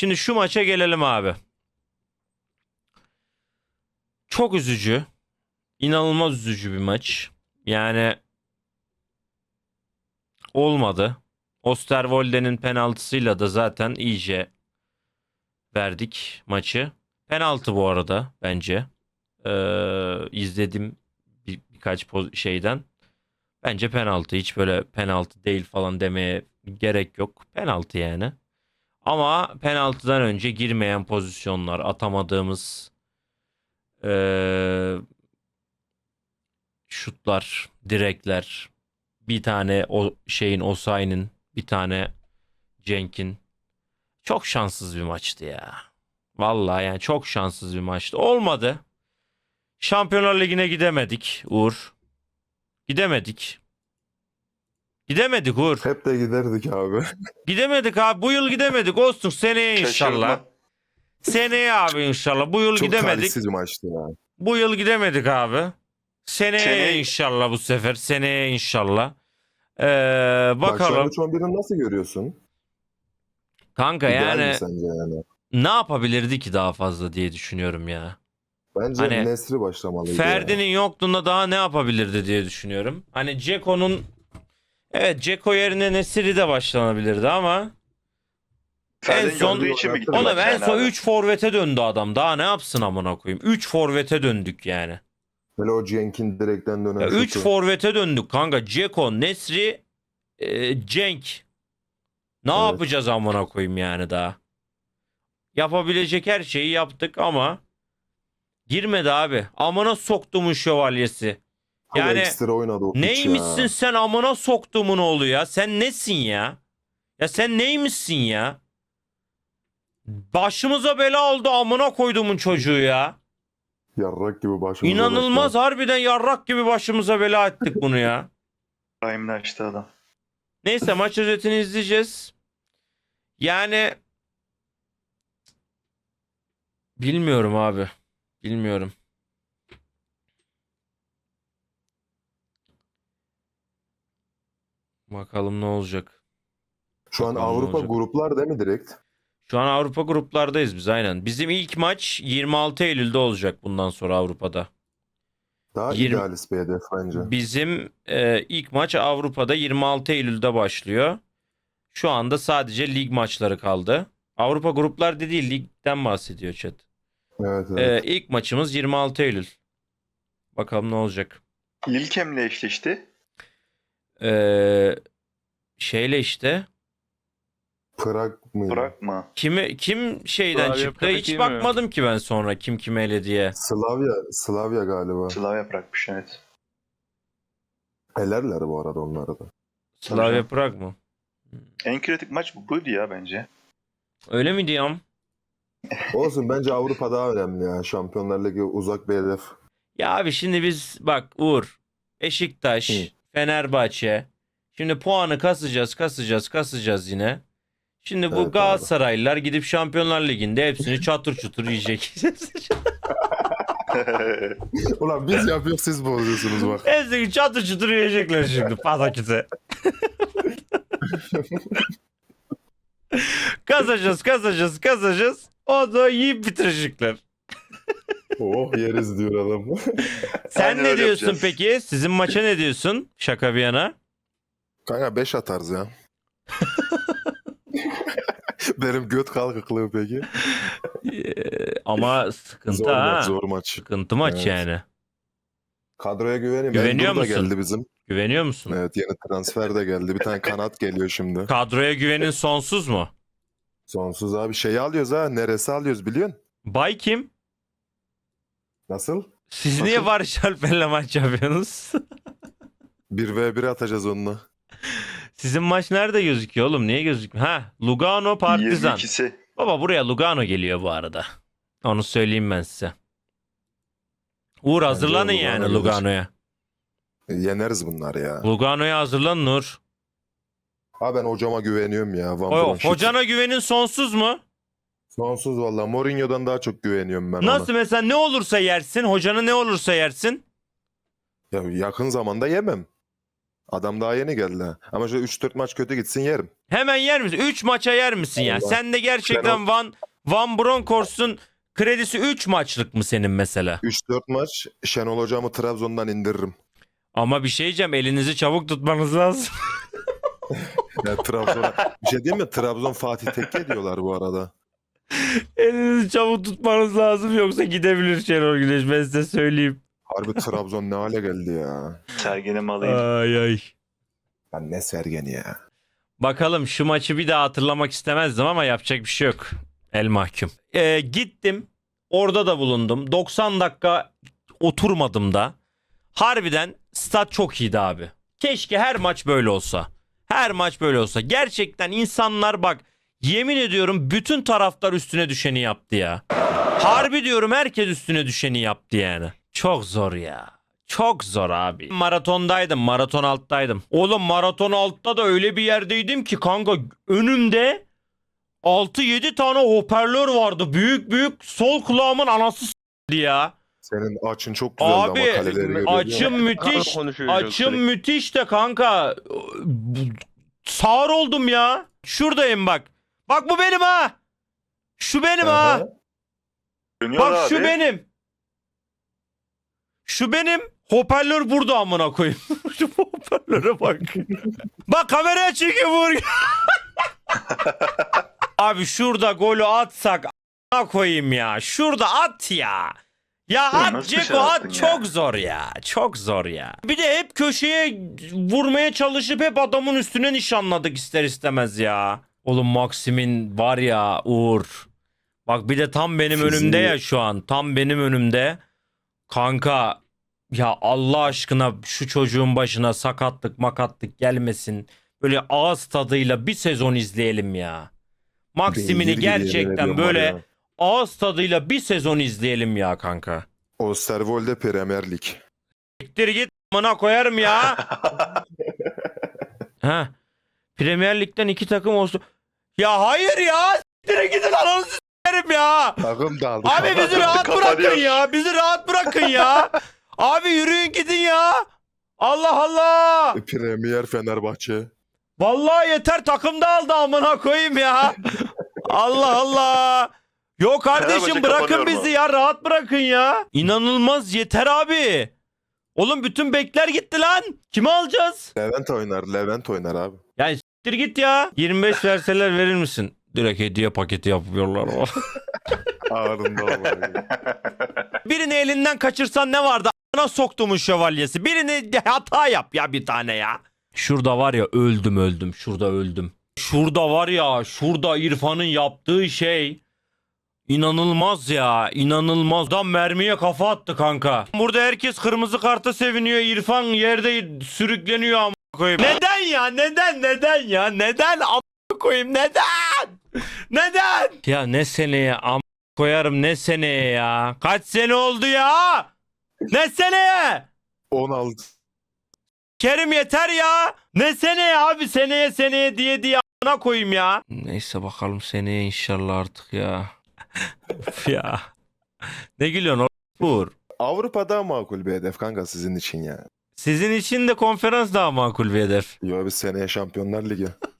Şimdi şu maça gelelim abi. Çok üzücü. İnanılmaz üzücü bir maç. Yani olmadı. Osterwolde'nin penaltısıyla da zaten iyice verdik maçı. Penaltı bu arada bence. İzledim birkaç şeyden. Bence penaltı. Hiç böyle penaltı değil falan demeye gerek yok. Penaltı yani. Ama penaltıdan önce girmeyen pozisyonlar, atamadığımız şutlar, direkler, bir tane o şeyin Osayi'nin, bir tane Cenk'in. Çok şanssız bir maçtı ya. Vallahi yani çok şanssız bir maçtı. Olmadı. Şampiyonlar Ligi'ne gidemedik Uğur. Gidemedik. Gidemedik Uğur. Hep de giderdik abi. Gidemedik abi. Bu yıl gidemedik. Olsun seneye inşallah. Şaşırma. Seneye abi inşallah. Bu yıl Çok gidemedik. talihsiz bir maçtı ya. Bu yıl gidemedik abi. Seneye Seneye- inşallah bu sefer. Seneye inşallah. Bak şu an Bakalım. 3-11'i nasıl görüyorsun? Kanka İdeal mi yani sence yani? ne yapabilirdi ki daha fazla diye düşünüyorum ya. Bence Hani Nesri başlamalıydı Ferdi'nin ya. yokluğunda daha ne yapabilirdi diye düşünüyorum. Hani Ceko'nun evet Ceko yerine Nesiri de başlanabilirdi ama Ferdi'nin son- gördüğü için mi gitti oğlum maç en yani son abi? 3 forvete döndü adam. Daha ne yapsın amına koyayım? 3 forvete döndük yani. Hele o Cenk'in direkten dönen 3 şutu. forvete döndük kanka. Ceko, Nesri, Cenk. Ne Evet. yapacağız amına koyayım yani daha? Yapabilecek her şeyi yaptık ama girmedi abi. Amına soktumun şövalyesi. Çok Yani ekstra oynadı o piç neymişsin ya. sen amına soktumun oğlu ya? Sen nesin ya? Ya sen neymişsin ya? Başımıza bela oldu amına koyduğumun çocuğu ya. Yarrak gibi başımıza İnanılmaz başlar. harbiden yarrak gibi başımıza bela ettik bunu ya. Prime'ını açtı adam. Neyse maç özetini izleyeceğiz. Yani bilmiyorum abi. Bilmiyorum. Bakalım ne olacak. Şu an Bakalım ne Avrupa olacak. gruplar değil mi direkt? Şu an Avrupa gruplardayız biz aynen. Bizim ilk maç 26 Eylül'de olacak bundan sonra Avrupa'da. Daha 20 idealist bir hedef bence. Bizim ilk maç Avrupa'da 26 Eylül'de başlıyor. Şu anda sadece lig maçları kaldı. Avrupa gruplar dediği ligden bahsediyor chat. Evet evet. İlk maçımız 26 Eylül. Bakalım ne olacak. Lilkem'le eşleşti. E, şeyle işte Prag mı? Bırakma. kim şeyden Slavia çıktı? Prag Hiç değil mi? bakmadım ki ben sonra kim kime ele diye. Slavia galiba. Slavia bırakmış evet. Elerler bu arada onları da. Slavia canım. Prag mı? En kritik maç buydu ya bence. Öyle mi diyorum? Olsun bence Avrupa daha önemli ya. Şampiyonlar Ligi uzak bir hedef. Ya abi şimdi biz bak Uğur, Beşiktaş, Hı. Fenerbahçe. Şimdi puanı kasacağız yine. Şimdi bu Evet abi. Galatasaraylılar gidip Şampiyonlar Ligi'nde hepsini çatır çutur yiyecek. Ulan biz yapıyoruz siz bozuyorsunuz bak. Hepsini çatır çutur yiyecekler şimdi pataküte. Kazacağız. O da yiyip bitirecekler. Oh yeriz diyor adam. Sen Aynen ne öyle diyorsun yapacağız. peki? Sizin maça ne diyorsun? Şaka bir yana. Kanka 5 atarız ya. Benim göt kalkıklığı peki. Ama sıkıntı Zor ha. maç, zor maç. Sıkıntı maç Evet. yani. Kadroya güvenim. Güveniyor Endur da musun? geldi bizim. Güveniyor musun? Evet yeni transfer de geldi. Bir tane kanat geliyor şimdi. Kadroya güvenin sonsuz mu? Sonsuz abi şeyi alıyoruz ha. Neresi alıyoruz biliyorsun? Bay kim? Nasıl? Siz Nasıl? niye Barış Alper'le maç yapıyorsunuz? 1v1 atacağız onunla. Sizin maç nerede gözüküyor oğlum? Niye gözükmüyor? Ha, Lugano Partizan. 22'si. Baba buraya Lugano geliyor bu arada. Onu söyleyeyim ben size. Uğur hazırlanın Lugano yani gelir. Lugano'ya. Yeneriz bunlar ya. Lugano'ya hazırlanın Uğur. Ha ben hocama güveniyorum ya. Van Bronşit. Hocana güvenin sonsuz mu? Sonsuz valla. Mourinho'dan daha çok güveniyorum ben Nasıl ona. mesela ne olursa yersin? Hocanı ne olursa yersin? Ya yakın zamanda yemem. Adam daha yeni geldi ha. Ama şöyle 3-4 maç kötü gitsin yerim. Hemen yer misin? 3 maça yer misin ya? Allah. Sen de gerçekten Van Bronckhorst'un kredisi 3 maçlık mı senin mesela? 3-4 maç Şenol Hocam'ı Trabzon'dan indiririm. Ama bir şey diyeceğim, elinizi çabuk tutmanız lazım. Ya Trabzon'a bir şey diyeyim mi? Trabzon Fatih Tekke diyorlar bu arada. Elinizi çabuk tutmanız lazım, yoksa gidebilir Şenol Güneş, ben size söyleyeyim. Harbi Trabzon ne hale geldi ya. Sergen'im alayım. Ay ay. Ben ne Sergen'i ya. Bakalım, şu maçı bir daha hatırlamak istemezdim ama yapacak bir şey yok. El mahkum. Gittim. Orada da bulundum. 90 dakika oturmadım da. Harbiden stat çok iyiydi abi. Keşke her maç böyle olsa. Her maç böyle olsa. Gerçekten insanlar, bak yemin ediyorum, bütün taraftar üstüne düşeni yaptı ya. Harbi diyorum, herkes üstüne düşeni yaptı yani. Çok zor ya. Çok zor abi. Maratondaydım. Maraton alttaydım. Oğlum maraton altta da öyle bir yerdeydim ki kanka, önümde 6-7 tane hoparlör vardı. Büyük büyük, sol kulağımın anası s***di ya. Senin açın çok güzeldi ama Abi kaleleri görüyorum. açım müthiş. Konuşuyor Açım sürekli. müthiş de kanka. Sağır oldum ya. Şuradayım bak. Bak bu benim ha. Şu benim ha. Aha. Dönüyor Bak abi. şu benim. Şu benim. Hoparlör burada amına koyayım. Şu hoparlöre bak. Bak kameraya çekiyor vur. Abi şurada golü atsak amına koyayım ya. Şurada at ya. Ya at nasıl Ceko, dışarı attın at, ya? çok zor ya. Çok zor ya. Bir de hep köşeye vurmaya çalışıp hep adamın üstüne nişanladık ister istemez ya. Oğlum Maxim'in var ya Uğur. Bak bir de tam benim Fiziği- önümde ya şu an. Tam benim önümde. Kanka ya Allah aşkına şu çocuğun başına sakatlık makatlık gelmesin. Böyle ağız tadıyla bir sezon izleyelim ya. Maxim'ini Beygir gibi yemin gerçekten ediyorum böyle var ya. ağız tadıyla bir sezon izleyelim ya kanka. O Servol'de Premier Lig. Siktir git amına koyarım ya. Ha. Premier Lig'den 2 takım olsun. Ya hayır ya. Siktir gidin, ananızı s**erim ya. Takım dağıldı. Abi bizi rahat Kapanıyor. bırakın ya. Bizi rahat bırakın ya. Abi yürüyün gidin ya. Allah Allah. Premier Fenerbahçe. Vallahi yeter, takım dağıldı amına koyayım ya. Allah Allah. Yok kardeşim, Fenerbahçe bırakın kapanıyor bizi mu? ya, rahat bırakın ya. İnanılmaz, yeter abi. Oğlum bütün bekler gitti lan. Kimi alacağız? Levent oynar abi. Ya s**tir git ya. 25 verseler verir misin? Direkt hediye paketi yapıyorlar. Ağrında olmalı. Birini elinden kaçırsan ne vardı? A**ına soktumun şövalyesi. Birini hata yap ya, bir tane ya. Şurada var ya, öldüm. Şurada öldüm. Şurada var ya, şurada İrfan'ın yaptığı şey İnanılmaz ya, inanılmaz. Adam mermiye kafa attı kanka. Burada herkes kırmızı karta seviniyor. İrfan yerde sürükleniyor amına koyayım. Neden ya? Neden ya? Neden amına koyayım? Neden? Ya ne seneye amına koyarım, ne seneye ya? Kaç sene oldu ya? Ne seneye? 16. Kerim yeter ya. Ne seneye abi? Seneye diye amına koyayım ya. Neyse bakalım seneye inşallah artık ya. Of ya. Ne gülüyorsun Uğur? Avrupa daha makul bir hedef kanka sizin için ya. Sizin için de konferans daha makul bir hedef. Yo bir seneye Şampiyonlar Ligi.